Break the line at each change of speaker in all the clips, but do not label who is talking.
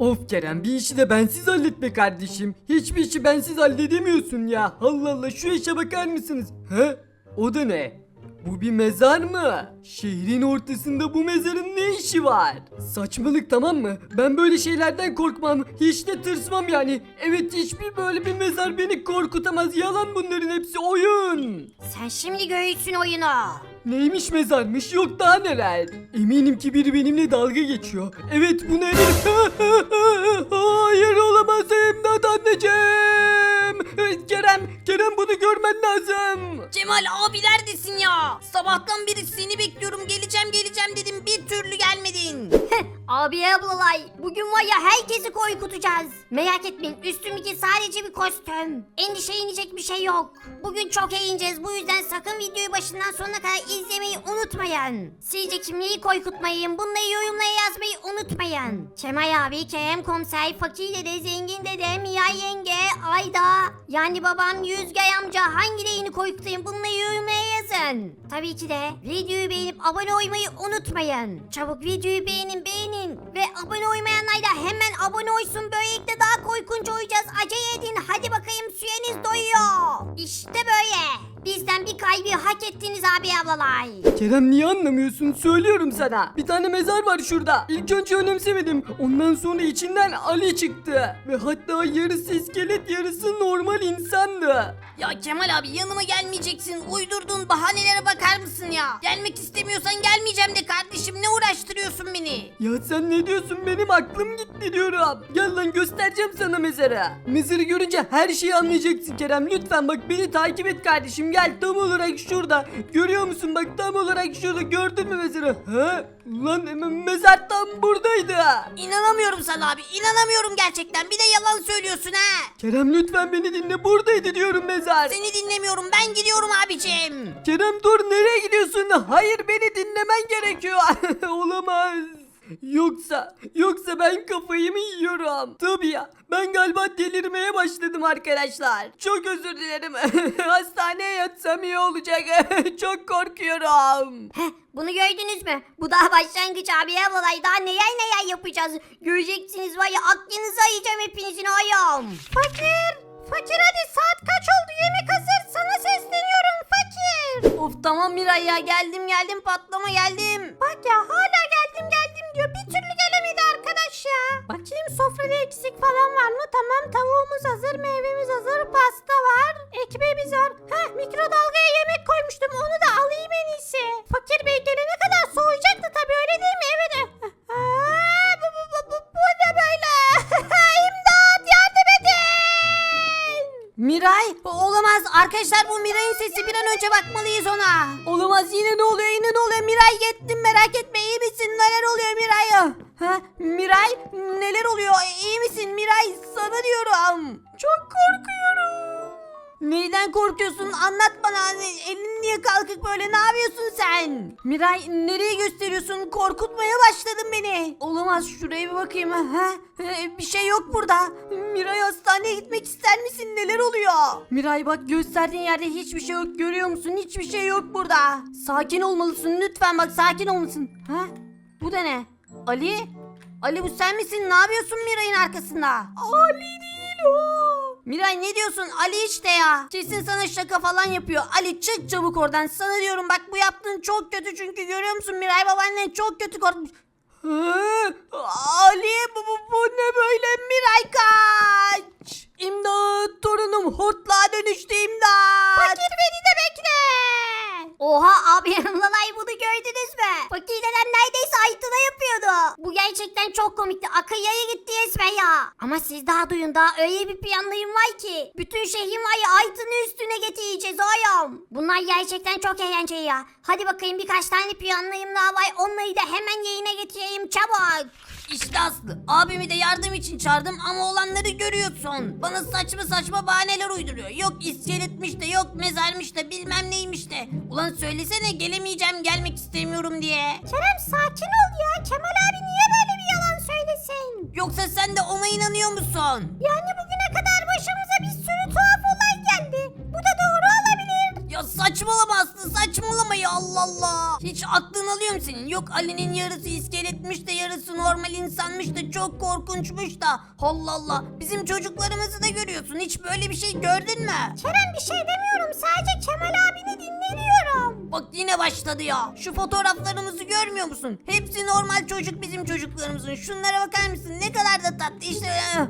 Of Kerem, bir işi de bensiz halletme kardeşim. Hiçbir işi bensiz halledemiyorsun ya. Allah Allah, şu işe bakar mısınız? He? O da ne? Bu bir mezar mı? Şehrin ortasında bu mezarın ne işi var? Saçmalık, tamam mı? Ben böyle şeylerden korkmam. Hiç de tırsmam yani. Evet, hiçbir böyle bir mezar beni korkutamaz. Yalan, bunların hepsi oyun.
Sen şimdi göğüsün oyunu.
Neymiş mezarmış, yok daha neler. Eminim ki biri benimle dalga geçiyor. Evet, bu ne? Hayır, olamaz, imdat anneciğim. Kerem bunu görmen lazım.
Cemal abi neredesin ya? Sabahtan beri seni bekliyorum, geleceğim dedim, bir türlü gelmedin. Abi ablalay, bugün var ya herkesi korkutacağız. Merak etmeyin, üstümdeki sadece bir kostüm. Endişelenecek bir şey yok. Bugün çok eğleneceğiz, bu yüzden sakın videoyu başından sonuna kadar izlemeyi unutmayın. Sizce kimliği korkutmayın, bunları yorumlara yazmayı unutmayın. Kemal abi, Kerem komiser, Fakir dede, Zengin dede, Mia yenge, Ayda, yani babam, Yüzgay amca, hangilerini korkutayım, bunları yorumlara yazın. Tabii ki de videoyu beğenip abone olmayı unutmayın. Çabuk videoyu beğenin ve abone olmayanlar da hemen abone olsun, böylelikle daha korkunç olacağız. Acele edin, hadi bakayım, süreniz doyuyor. İşte böyle. Bizden bir kalbi hak ettiniz abi ablalar.
Kerem, niye anlamıyorsun? Söylüyorum sana. Bir tane mezar var şurada. İlk önce önemsemedim. Ondan sonra içinden Ali çıktı. Ve hatta yarısı iskelet, yarısı normal insandı.
Ya Kemal abi, yanıma gelmeyeceksin. Uydurduğun bahanelere bakar mısın ya? Gelmek istemiyorsan gelmeyeceğim de kardeşim, ne uğraştırıyorsun beni?
Ya sen ne diyorsun? Benim aklım gitti diyorum. Gel lan, göstereceğim sana mezarı. Mezarı görünce her şeyi anlayacaksın Kerem. Lütfen bak, beni takip et kardeşim. Gel, tam olarak şurada. Görüyor musun? Bak, tam olarak şurada. Gördün mü mezarı? Ha? Lan mezar tam buradaydı.
İnanamıyorum sana abi, inanamıyorum gerçekten. Bir de yalan söylüyorsun ha.
Kerem, lütfen beni dinle. Buradaydı diyorum mezar.
Seni dinlemiyorum, ben gidiyorum abicim.
Kerem, dur, nereye gidiyorsun? Hayır, beni dinlemen gerekiyor. Olamaz. Yoksa ben kafayı mı yiyorum? Tabii ya, ben galiba delirmeye başladım arkadaşlar. Çok özür dilerim. Hastaneye yatsam iyi olacak. Çok korkuyorum.
Bunu gördünüz mü? Bu daha başlangıç abi ablalay, daha neler yapacağız. Göreceksiniz var ya, aklınızı ayıracağım hepinizin oğlum. Fakir hadi, saat kaç oldu, yemek hazır, sana sesleniyorum fakir. Of tamam Miray ya, geldim, patlama geldim. Bak ya, hala geldim diyor, bir türlü gelemedi arkadaş ya. Bakayım sofrada eksik falan var mı? Tamam, tavuğumuz hazır, meyvemiz hazır, pasta var, ekmeğimiz var. Mikrodalgaya yemek koymuştum, onu da alayım en iyisi. Fakir bey gelene kadar soğuyacaktı tabii, öyle değil mi? Evet. Bu ne böyle? İmdat, yardım edin. Miray, olamaz arkadaşlar, bu Miray'ın sesi, bir an önce bakmalıyız ona. Olamaz, yine ne oluyor Miray, gittim, merak etme, iyi misin, neler oluyor Miray? Miray, neler oluyor, iyi misin Miray, sana diyorum. Çok korkuyorum. Neyden korkuyorsun, anlat bana, elin niye kalkık böyle, ne yapıyorsun sen? Miray, nereye gösteriyorsun, korkutmaya başladın beni. Olamaz, şuraya bir bakayım. Bir şey yok burada. Miray, hastaneye gitmek ister misin, neler oluyor? Miray bak, gösterdiğin yerde hiçbir şey yok, görüyor musun, hiçbir şey yok burada. Sakin olmalısın lütfen, bak sakin olmalısın. Bu da ne? Ali bu sen misin, ne yapıyorsun Miray'ın arkasında? Ali değil o. Miray, ne diyorsun? Ali işte ya. Kesin sana şaka falan yapıyor. Ali, çık çabuk oradan. Sana diyorum bak, bu yaptığın çok kötü, çünkü görüyor musun Miray, babaannen çok kötü korkmuş. Ali, bu ne böyle? Miray kaç. İmdat, torunum hortlağa dönüştü, imdat. Fakir, beni de bekle. Oha abi, lalay, bunu gördünüz mü? Fakir deden neredeyse Aytun'a yapıyordu. Bu gerçekten çok komikti. Akıllaya gitti resmen ya. Ama siz daha duyun, daha öyle bir planlarım var ki. Bütün şehrin var ya, Aytun'u üstüne getireceğiz oğlum. Bunlar gerçekten çok eğlenceli ya. Hadi bakayım, birkaç tane planlarım daha var. Onları da hemen yayına getireyim, çabuk. İşte Aslı, abimi de yardım için çağırdım ama olanları görüyorsun. Bana saçma bahaneler uyduruyor. Yok iskeletmiş de, yok mezarmış da, bilmem neymiş de. Ulan söylesene, gelemeyeceğim, gelmek istemiyorum diye. Kerem, sakin ol ya. Kemal abi niye böyle bir yalan söylesin? Yoksa sen de ona inanıyor musun? Yani bugüne kadar başımıza bir sürü tuhaf olay geldi. Bu da doğru olabilir. Ya Ya saçmalama Aslı, saçmalama ya, Allah Allah. Hiç aklın alıyor mu senin? Yok Ali'nin yarısı iskeletmiş de yarısı normal insanmış da çok korkunçmuş da. Allah Allah. Bizim çocuklarımızı da görüyorsun. Hiç böyle bir şey gördün mü?
Kerem bir şey demiyorum. Sadece Kemal abini dinleniyorum.
Bak yine başladı ya. Şu fotoğraflarımızı görmüyor musun? Hepsi normal çocuk, bizim çocuklarımızın. Şunlara bakar mısın? Ne kadar da tatlı. İşte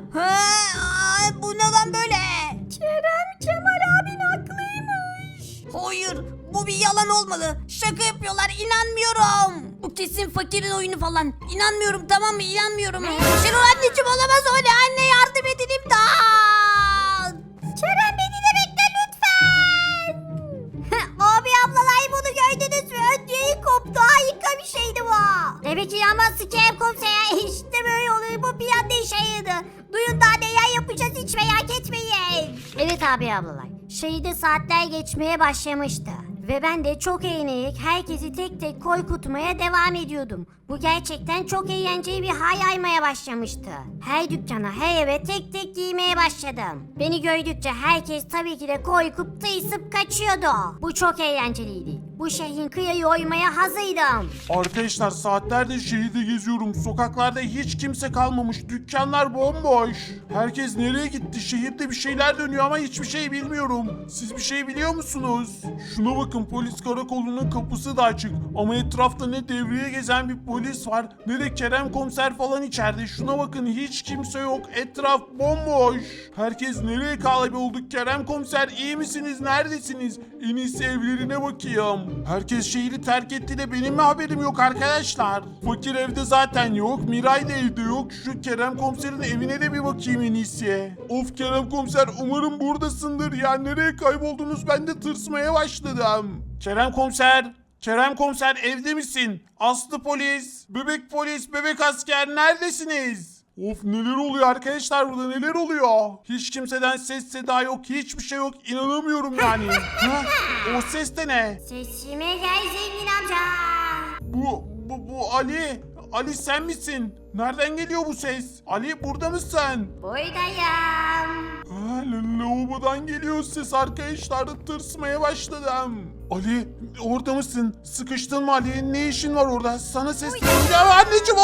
bu ne lan böyle?
Kerem Kemal abin haklıymış.
Hayır, bu bir yalan olmalı. Şaka yapıyorlar, inanmıyorum. Bu kesin fakirin oyunu falan. İnanmıyorum, tamam mı? İnanmıyorum. Şenol anneciğim, olamaz öyle. Anne yardım edin, imdat.
Kerem beni de bekle lütfen. Abi ablalay bunu gördünüz mü? Ödyeyi koptu. Harika bir şeydi bu. Demek ki yanmazsın Kerem komiser. İşte böyle oluyor. Bu bir anda işe yaradı. Duyun daha neler yapacağız, hiç merak etmeyin. Evet abi ablalay. Şehirde saatler geçmeye başlamıştı. Ve ben de çok eğlenerek herkesi tek tek korkutmaya devam ediyordum. Bu gerçekten çok eğlenceli bir hal yaymaya başlamıştı. Her dükkana, her eve tek tek giymeye başladım. Beni gördükçe herkes tabii ki de korkup tıysıp kaçıyordu. Bu çok eğlenceliydi. Bu şehrin kıyayı oymaya hazırdım.
Arkadaşlar saatlerdir şehirde geziyorum. Sokaklarda hiç kimse kalmamış. Dükkanlar bomboş. Herkes nereye gitti? Şehirde bir şeyler dönüyor ama hiçbir şey bilmiyorum. Siz bir şey biliyor musunuz? Şuna bakın, polis karakolunun kapısı da açık. Ama etrafta ne devriye gezen bir polis var ne de Kerem komiser falan içeride. Şuna bakın, hiç kimse yok. Etraf bomboş. Herkes nereye kaybolduk? Kerem komiser iyi misiniz? Neredesiniz? En iyisi evlerine bakayım. Herkes şehri terk etti de benim mi haberim yok arkadaşlar? Fakir evde zaten yok. Miray da evde yok. Şu Kerem komiserin evine de bir bakayım en iyisi. Of Kerem komiser, umarım buradasındır ya. Nereye kayboldunuz? Ben de tırsmaya başladım. Kerem komiser. Kerem komiser evde misin? Aslı polis, bebek asker neredesiniz? Of neler oluyor arkadaşlar, burada neler oluyor? Hiç kimseden ses seda yok, hiçbir şey yok, inanamıyorum yani. Ha? O ses de ne?
Sesime gel zengin amca.
Bu Ali. Ali sen misin? Nereden geliyor bu ses? Ali burada mısın?
Buradayım.
Lavabodan geliyor ses arkadaşlar, tırsmaya başladım. Ali orada mısın? Sıkıştın mı Ali? Ne işin var orada? Sana sesleneceğim anneciğim,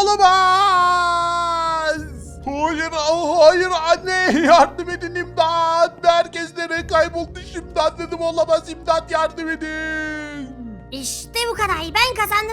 olamaz. Hayır, hayır anne, yardım edin, imdat. Herkes nereye kayboldu şimdi anladım, olamaz, imdat yardım edin.
İşte bu kadar. Ben kazandım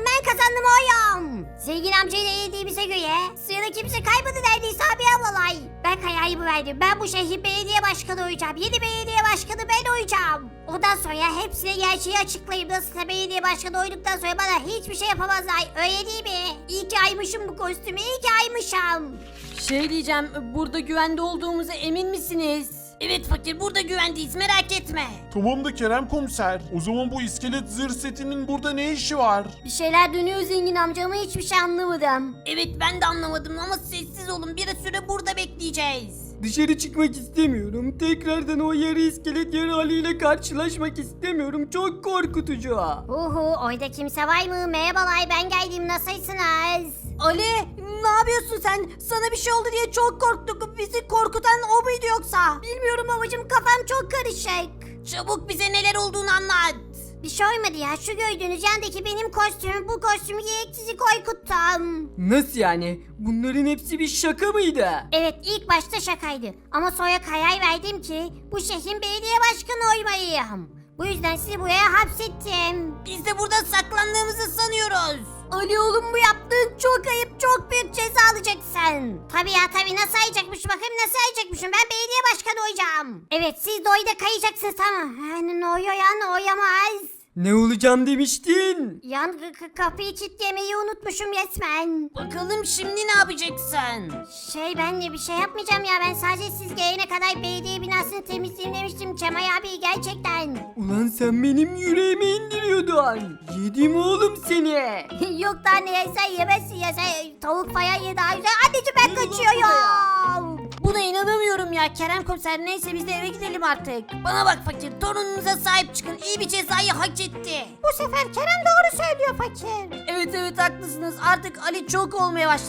oyum. Zengin amcayla eğildiğimize göre sırada kimse kaymadı neredeyse abi ablalay. Ben kararımı verdim. Ben bu şehrin belediye başkanı olacağım. Yeni belediye başkanı ben olacağım. Ondan sonra hepsine gerçeği açıklayayım. Nasılsa belediye başkanı olduktan sonra bana hiçbir şey yapamazlar. Öyle değil mi? İyi ki aymışım bu kostümü. İyi ki aymışım.
Şey diyeceğim, burada güvende olduğumuza emin misiniz? Evet fakir, burada güvendeyiz, merak etme.
Tamam da Kerem komiser, o zaman bu iskelet zırh setinin burada ne işi var?
Bir şeyler dönüyor zengin amca ama hiçbir şey anlamadım.
Evet ben de anlamadım ama sessiz olun, bir süre burada bekleyeceğiz.
Dışarı çıkmak istemiyorum. Tekrardan o yarı iskelet yarı Ali ile karşılaşmak istemiyorum. Çok korkutucu.
Orada kimse var mı? Merhabalar, ben geldim, nasılsınız?
Ali, ne yapıyorsun sen? Sana bir şey oldu diye çok korktuk. Bizi korkutan o muydu yoksa?
Bilmiyorum babacığım, kafam çok karışık.
Çabuk bize neler olduğunu anlat.
Bir şey olmadı ya, şu gördüğünüz yandaki benim kostümüm, bu kostümü giyerek sizi korkuttum.
Nasıl yani? Bunların hepsi bir şaka mıydı?
Evet, ilk başta şakaydı ama sonra karar verdim ki bu şehrin belediye başkanı olmalıyım. Bu yüzden sizi buraya hapsettim.
Biz de burada saklandığımızı sanıyoruz.
Ali oğlum, bu yaptığın çok ayıp, çok büyük ceza alacaksın. Tabii ya tabii, nasıl alacakmışım, bakayım nasıl alacakmışım, ben belediye başkanı olacağım. Evet, siz de oyda kayacaksınız, tamam. Ne oluyor ya, ne oyamaz.
Ne olacağım demiştin?
Yan kapıyı kilitlemeyi unutmuşum resmen.
Bakalım şimdi ne yapacaksın?
Ben de bir şey yapmayacağım ya, ben sadece siz gelene kadar belediye binasını temizleyeyim demiştim Kemal abi, gerçekten.
Ulan sen benim yüreğime indiriyordun. Yedim oğlum seni.
Yok daha ne yersen yemezsin ya, sen tavuk falan ye daha güzel. Anneciğim ben kaçıyorum.
Buna inanamıyorum ya Kerem komiser, neyse biz de eve gidelim artık. Bana bak fakir, torununuza sahip çıkın, iyi bir cezayı hak etti.
Bu sefer Kerem doğru söylüyor fakir.
Evet haklısınız, artık Ali çok olmaya başladı.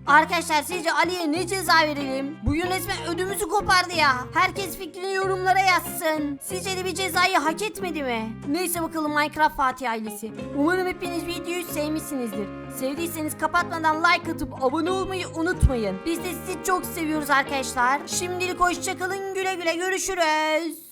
Arkadaşlar sizce Ali'ye ne ceza verelim? Bugün resmen ödümüzü kopardı ya. Herkes fikrini yorumlara yazsın. Sizce de bir cezayı hak etmedi mi? Neyse bakalım Minecraft Fatih ailesi. Umarım hepiniz videoyu sevmişsinizdir. Sevdiyseniz kapatmadan like atıp abone olmayı unutmayın. Biz de sizi çok seviyoruz arkadaşlar. Şimdilik hoşçakalın, güle güle görüşürüz.